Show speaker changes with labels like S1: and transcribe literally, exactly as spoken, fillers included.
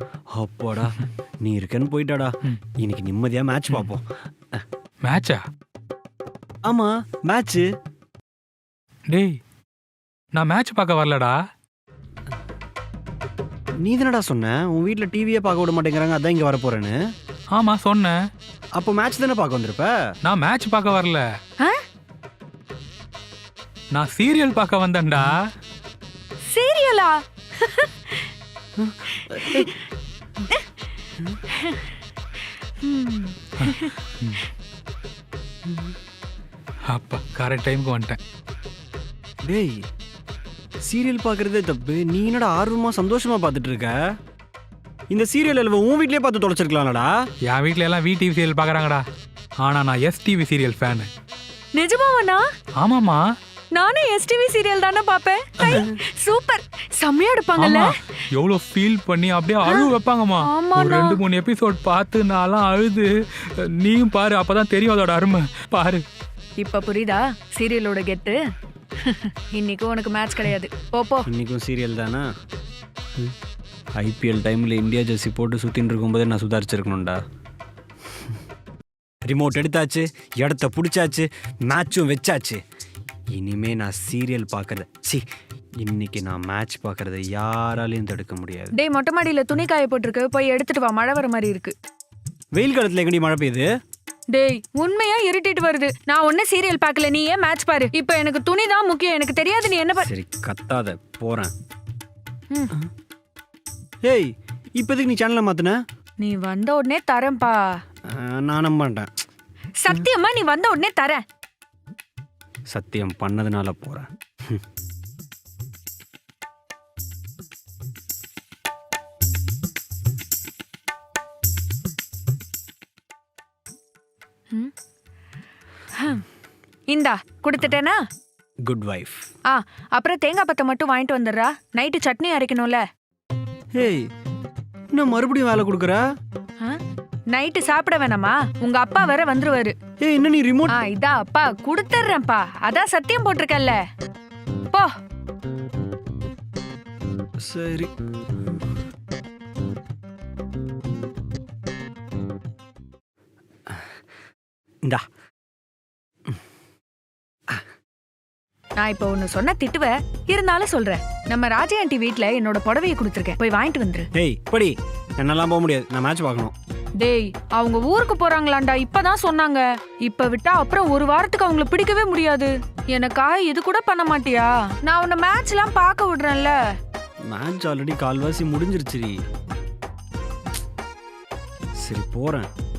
S1: அப்பாடா நீ இருக்கன்னு போயிட்டாடா. இன்னைக்கு நிம்மதியா மேட்ச் பார்ப்போம்.
S2: மேட்சா?
S1: ஆமா மேட்ச்.
S2: டேய் நான் மேட்ச் பார்க்க வரலடா.
S1: நீ தானடா சொன்ன உன் வீட்ல டிவியே பார்க்க விட மாட்டேங்கிறாங்க, அதான் இங்க வர போறேன்னு.
S2: ஆமா சொன்னேன்.
S1: அப்போ மேட்ச் தானே பார்க்க வந்திருப்ப.
S2: நான் மேட்ச் பார்க்க வரல, நான் சீரியல் பார்க்க வந்தேன்டா.
S3: சீரியலா?
S2: அப்பா கரெக்ட் டைமுக்கு வந்துட்டேன்.
S1: டேய் சீரியல் பார்க்கறதே தப்பு, நீ என்னடா ஆர்வமா சந்தோஷமா பார்த்துட்டு இருக்க? இந்த சீரியல் எல்லாம் உன் வீட்லயே பார்த்து தொலைச்சிருக்கலாம்டா.
S2: என் வீட்ல எல்லாம் வி டிவி சீரியல் பார்க்கறாங்கடா, ஆனா நான் எஸ் டிவி சீரியல் ஃபேன்.
S3: நிஜமாவா?
S2: ஆமாமா,
S3: நானே எஸ்டிவி சீரியல் தானே பாப்பேன். சூப்பர், செம்மையா எடுப்பாங்கல்ல.
S2: எவ்வளவு ஃபீல் பண்ணி அப்படியே அழுவ வைப்பாங்கம்மா. ஒரு ரெண்டு மூணு எபிசோட் பார்த்து நான்லாம் அழுது. நீயும் பாரு, அப்பதான் தெரியும் அதோட அருமை. பாரு
S3: இப்ப புரியுதா சீரியலோட கெத்து? இன்னைக்கு உனக்கு மேட்ச் கிடையாது, போப்போ.
S1: இன்னைக்கும் சீரியல் தானா? ஐபிஎல் டைம்ல இந்தியா ஜெர்சி போட்டு சுத்தின்னு இருக்கும்போதே நான் சுதாரிச்சிருக்கணும்டா. ரிமோட் எடுத்தாச்சு, இடத்த பிடிச்சாச்சு, மேட்சும் வச்சாச்சு. இனிமே நான் சீரியல் பார்க்கறத சி இன்னைக்கு நான் மேட்ச் பார்க்கறத யாராலையும் தடுக்க முடியாது.
S3: டேய் மொட்டை மாடியில துணி காய போட்டிருக்கு, போய் எடுத்துட்டு வா, மழை வர மாதிரி இருக்கு.
S1: வெயில் காலத்துல எங்கடி மழை பெய்யுது?
S3: டேய் உண்மையா இருட்டிட்டு வருது. நான் ஒன்னும் சீரியல் பார்க்கல, நீ ஏன் மேட்ச் பாரு. இப்போ எனக்கு துணி தான் முக்கியம், எனக்கு தெரியாது நீ என்ன பாரு.
S1: சரி கத்தாத, போறேன். ஏய் இப்போதைக்கு நீ சேனலை மாத்துன?
S3: நீ வந்த உடனே தரேன்பா.
S1: நான் நம்ப மாட்டேன்.
S3: சத்தியமா நீ வந்த உடனே தரேன்.
S1: சத்தியம் பண்ணதுனால போறேன்.
S3: இந்தா கொடுத்துட்டேனா?
S1: Good wife.
S3: ஆ அப்புறம் தேங்காய் பத்தை மட்டும் வாங்கிட்டு வந்துடுறா, நைட்டு சட்னி அரைக்கணும்ல.
S1: ஏய் இன்னும் மறுபடியும் வேலை கொடுக்குற?
S3: நைட்டு சாப்பிட வேணாமா? உங்க அப்பா வேற வந்துருவாரு.
S1: ஏய் என்ன நீ ரிமோட்?
S3: ஆ இதா அப்பா கொடுத்துறேன்ப்பா, அதான் சத்தியம் போட்டிருக்கல்ல. போ.
S1: சரி இந்தா.
S3: நான் இப்ப ஒண்ணு சொன்ன திட்டுவ, இருந்தாலும் சொல்றேன். நம்ம ராஜா ஆண்டி வீட்ல என்னோட புடவையை கொடுத்துருக்கேன், போய் வாங்கிட்டு வந்துரு.
S1: ஏய் படி, என்னெல்லாம் போக முடியாது, நான் மேட்ச் பார்க்கணும்.
S3: டேய் அவங்க ஊருக்கு போறாங்களாண்டா, இப்பதான் சொன்னாங்க. இப்ப விட்டா அப்புறம் ஒரு வாரத்துக்கு அவங்கள பிடிக்கவே முடியாது. எனக்கா இது கூட பண்ண மாட்டியா? நான் உன்னை மேட்ச் எல்லாம் பார்க்க விடுறேன்ல.
S1: மேட்ச் ஆல்ரெடி கால்வாசி முடிஞ்சிருச்சு. சரி போறேன்.